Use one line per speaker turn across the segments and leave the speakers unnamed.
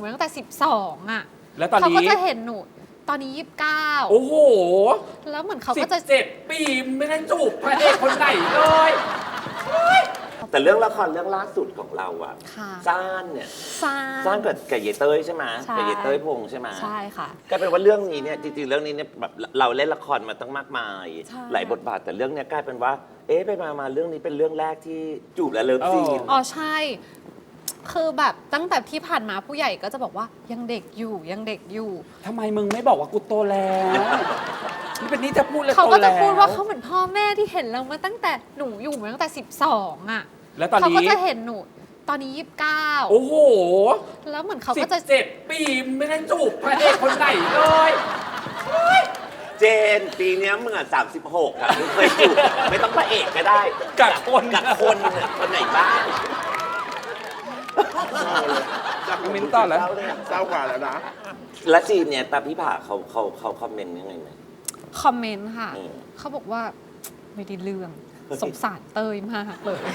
มาตั้งแต่12อ่ะ
แล้วตอนนี้
เขาก็จะเห็นหนูตอนนี้29
โอ้โห
แล้วเหมือนเขาก็จะ
17 ปีไม่ได้จูบพระเอกคนไหนเลย
แต่เรื่องละครเรื่องล่าสุดของเราอะซ่านเนี่ยซ่านกับเยเต้ยใช่ไหมกับเยเต้ยพงษ์ใช่ไหม
ใช่ค่ะ
กลายเป็นว่าเรื่องนี้เนี่ยจริงๆเรื่องนี้เนี่ยแบบเราเล่นละครมาตั้งมากมายหลายบทบาทแต่เรื่องนี้กลายเป็นว่าไปมาเรื่องนี้เป็นเรื่องแรกที่จูบและเลิฟซีน
อ๋อใช่คือแบบตั้งแต่ที่ผ่านมาผู้ใหญ่ก็จะบอกว่ายังเด็กอยู่ยังเด็กอยู่
ทำไมมึงไม่บอกว่ากูโตแล้วนี่เป็นนี่จะพูดเลย
เขาก็จะพูดว่าเขาเหมือนพ่อแม่ที่เห็นเรามาตั้งแต่หนูอยู่มาตั้งแต่12อ่ะ
แล้วตอนนี้
เขาก็จะเห็นหนูตอนนี้29
โอ้โห
แล้วเหมือนเขาก็จะ
17 ปีไม่ได้จูบพระเอกคนไหนเลย
เจนปีนี้มึงอ่ะ36อ่ะมึงเคยจูบไม่ต้องพระเอกก็ได้
กับคน
คนไหนบ้าง
มินต่อแล้ว
เศร้ากว่าแล้วนะ
และซีนเนี่ยตาพี่ผ่าเขาคอมเมนต์ยังไงไหม
คอมเมนต์ค่ะเขาบอกว่าไม่ได้เรื่องสงสารเตยมากเลย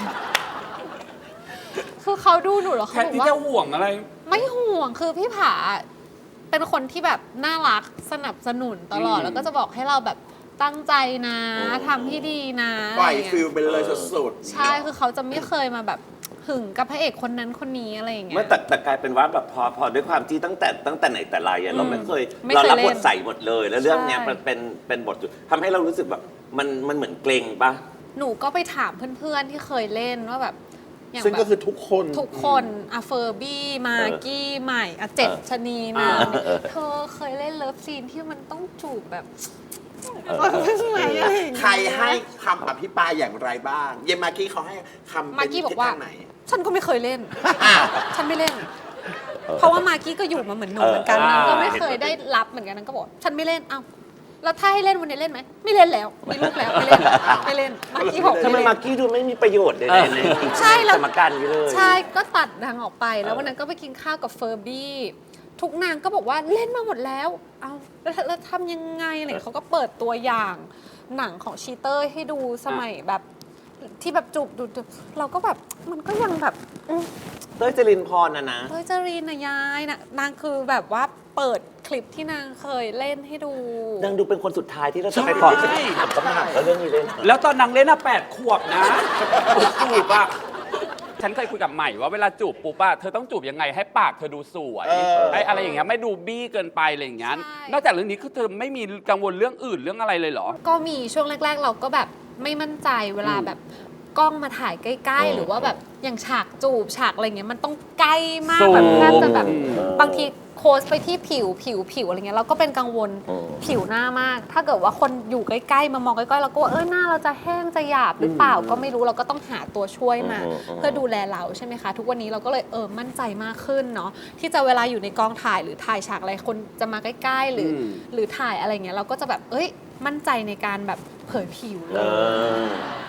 คือเขาดูหนูแล้วเขาบอกว่า
ที่จะห่วงอะไร
ไม่ห่วงคือพี่ผาเป็นคนที่แบบน่ารักสนับสนุนตลอดแล้วก็จะบอกให้เราแบบตั้งใจนะทำที่ดีนะ
ปล่อยฟิลไปเลยสุด
ๆใช่คือเขาจะไม่เคยมาแบบหึงกับพระเอกคนนั้นคนนี้อะไรอย่างเงี้ย
ไม่แต่กลายเป็นว่าแบบพอด้วยความที่ตั้งแต่ไหนแต่ไรเราไม่เคยเรารับบทใส่หมดเลยแล้วเรื่องเนี้ยมันเป็นบททำให้เรารู้สึกแบบมันเหมือนเกรงปะ
หนูก็ไปถามเพื่อนๆที่เคยเล่นว่าแบบ
ซึ่งก็คือทุก
คนอะเฟอร์บี้มากี้ใหม่อะเจ็ดชนีนาเธอเคยเล่นเลิฟซีนที่มันต้องจูบแบบ
ใครให้คำอภิปรายอย่างไรบ้างเยมากี้เขาให้คำ
มากี้บอกว่าฉันก็ไม่เคยเล่นฉันไม่เล่นเพราะว่ามากี้ก็อยู่มาเหมือนหนูเหมือนกันนางก็ไม่เคยได้รับเหมือนกันนางก็บอกฉันไม่เล่นเอ้าแล้วถ้าให้เล่นวันนี้เล่นไหมไม่เล่นแล้วมีลูกแล้วไม่เล่นมากี้บอก
ทำไมมากี้ดูไม่มีประโยชน์เลยใน
ใช่แล้ว
สมการนี้เลย
ใช่ก็ตัดนางออกไปแล้ววันนั้นก็ไปกินข้าวกับเฟอร์บี้ทุกนางก็บอกว่าเล่นมาหมดแล้วเอาแล้วทำยังไงอะไรเขาก็เปิดตัวอย่างหนังของชีเตอร์ให้ดูสมัยแบบที่แบบจูบดูเราก็แบบมันก็ยังแบบ
เต้ยจรินพรนะ
เต้ยจรินนะยายนะนางคือแบบว่าเปิดคลิปที่นางเคยเล่นให้ดู
นางดูเป็นคนสุดท้ายที่เราจะไปบอกต้องหนักแล้วเรื่องนี้เล่น
แล้วตอนนางเล่น8 ขวบนะจูบอะฉันเคยคุยกับใหม่ว่าเวลาจูบปุ๊บอะเธอต้องจูบยังไงให้ปากเธอดูสวยให้อะไรอย่างเงี้ยไม่ดูบี้เกินไปอะไรอย่างเงี้ยนอกจากเรื่องนี้คือเธอไม่มีกังวลเรื่องอื่นเรื่องอะไรเลยเหรอ
ก็มีช่วงแรกๆเราก็แบบไม่มั่นใจเวลาแบบกล้องมาถ่ายใกล้ๆหรือว่าแบบอย่างฉากจูบฉากอะไรเงี้ยมันต้องใกล้มากแบบแทบจะแบบบางทีโค้ชไปที่ผิวอะไรเงี้ยเราก็เป็นกังวลผิวหน้ามากถ้าเกิดว่าคนอยู่ใกล้ๆมามองใกล้ๆเราก็ว่าหน้าเราจะแห้งจะหยาบหรือเปล่าก็ไม่รู้เราก็ต้องหาตัวช่วยมาเพื่อดูแลเราใช่ไหมคะทุกวันนี้เราก็เลยมั่นใจมากขึ้นเนาะที่จะเวลาอยู่ในกองถ่ายหรือถ่ายฉากอะไรคนจะมาใกล้ๆหรือถ่ายอะไรเงี้ยเราก็จะแบบมั่นใจในการแบบเผยผิวเลย